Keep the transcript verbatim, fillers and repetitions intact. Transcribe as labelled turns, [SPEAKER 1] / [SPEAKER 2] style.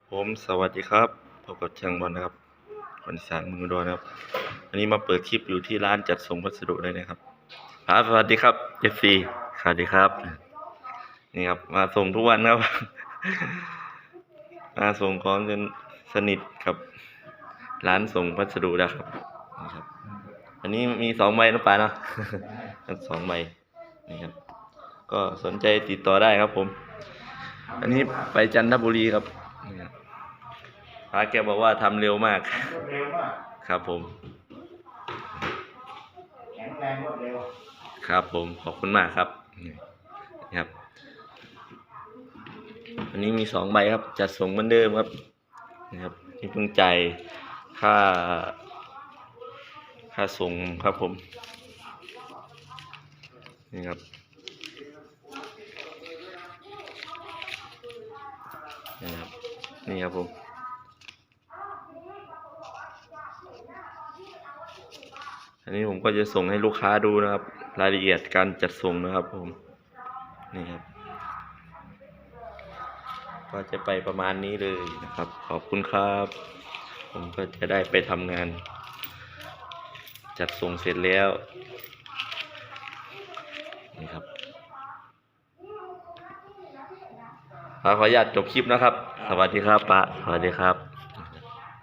[SPEAKER 1] ผมสวัสดีครับพบกับช่างบอลนะครับคนอีสานเมืองอุดรนะครับอันนี้มาเปิดคลิปอยู่ที่ร้านจัดส่งพัสดุเลยนะครับครับสวัสดีครับ เอฟ ซี สวัสดีครับนี่ครับมาส่งทุกวันครับ มาส่งของจนสนิทกับร้านส่งพัสดุแล้วครับนี่ครับอันนี้มีสองใบนะป่าเนาะ สองใบนี่ครับก็สนใจติดต่อได้ครับผมอันนี้ไปจันทบุรีครับนี่ครับพระแกบอกว่าทำเร็วมาก
[SPEAKER 2] เร็วมาก
[SPEAKER 1] ครับผม
[SPEAKER 2] แข็งแรงรวดเร็ว
[SPEAKER 1] ครับผมขอบคุณมากครับนี่ครับ อันนี้มีสองใบครับจัดส่งเหมือนเดิมครับนี่ครับนี่เพิ่งจ่ายค่า ค่าส่งครับผมนี่ครับนี่ครับนี่ครับผมอันนี้ผมก็จะส่งให้ลูกค้าดูนะครับรายละเอียดการจัดส่งนะครับผมนี่ครับก็จะไปประมาณนี้เลยนะครับ ขอบคุณครับ ผมก็จะได้ไปทำงาน จัดส่งเสร็จแล้วนี่ครับขออนุญาตจบคลิปนะครับ สวัสดีครับป้าสวัสดีครับ